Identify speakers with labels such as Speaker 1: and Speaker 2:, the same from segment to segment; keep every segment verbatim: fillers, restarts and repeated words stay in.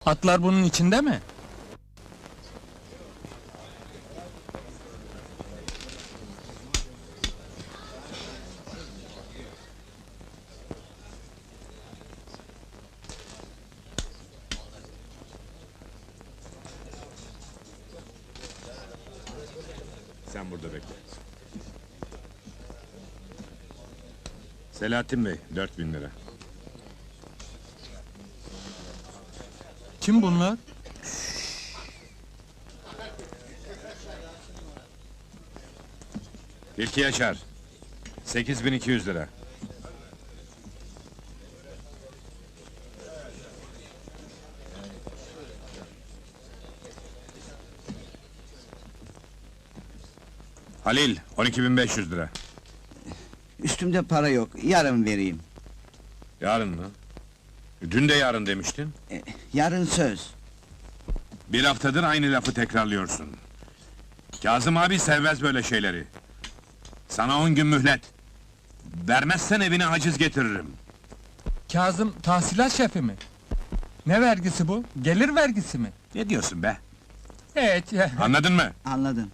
Speaker 1: Atlar bunun içinde mi?
Speaker 2: Sen burada bekle. Selahattin Bey, dört bin lira.
Speaker 1: Kim bunlar?
Speaker 2: Tilki Yaşar, sekiz bin iki yüz lira. Halil, on iki bin beş yüz lira.
Speaker 3: Üstümde para yok, yarın vereyim.
Speaker 2: Yarın mı? Dün de yarın demiştin.
Speaker 3: E, yarın söz.
Speaker 2: Bir haftadır aynı lafı tekrarlıyorsun. Kazım abi sevmez böyle şeyleri. Sana on gün mühlet. Vermezsen evine haciz getiririm.
Speaker 1: Kazım tahsilat şefi mi? Ne vergisi bu? Gelir vergisi mi?
Speaker 2: Ne diyorsun be?
Speaker 1: Evet.
Speaker 2: Anladın mı?
Speaker 3: Anladım.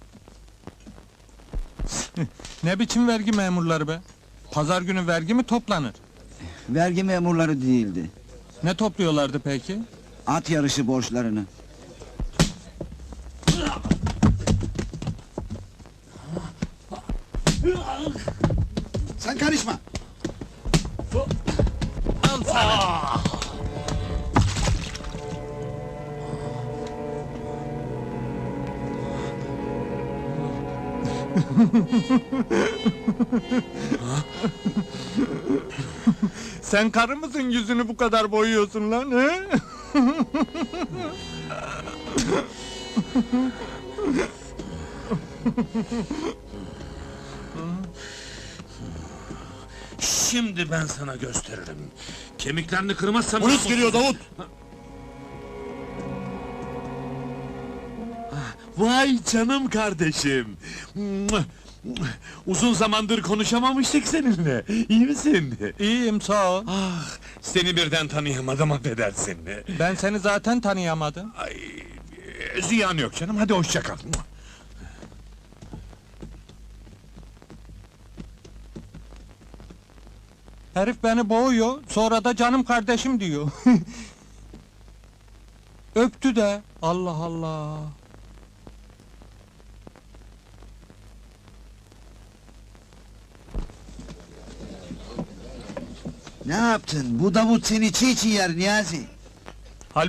Speaker 1: Ne biçim vergi memurları be? Pazar günü vergi mi toplanır?
Speaker 3: Vergi memurları değildi.
Speaker 1: Ne topluyorlardı peki?
Speaker 3: At yarışı borçlarını. Sen karışma!
Speaker 1: Al sana! Sen karı mısın yüzünü bu kadar boyuyorsun lan he?
Speaker 2: Şimdi ben sana gösteririm. Kemiklerini kırmazsam...
Speaker 4: Polis geliyor Davut! Vay canım kardeşim! Uzun zamandır konuşamamıştık seninle. İyi misin?
Speaker 1: İyiyim sağ ol.
Speaker 4: Ah, seni birden tanıyamadım, affedersin.
Speaker 1: Ben seni zaten tanıyamadım.
Speaker 4: Ay, ziyan yok canım, hadi hoşça kal.
Speaker 1: Herif beni boğuyor, sonra da canım kardeşim diyor. Öptü de, Allah Allah!
Speaker 3: Ne yaptın? Bu Davut seni çiğ çiğ yer Niyazi.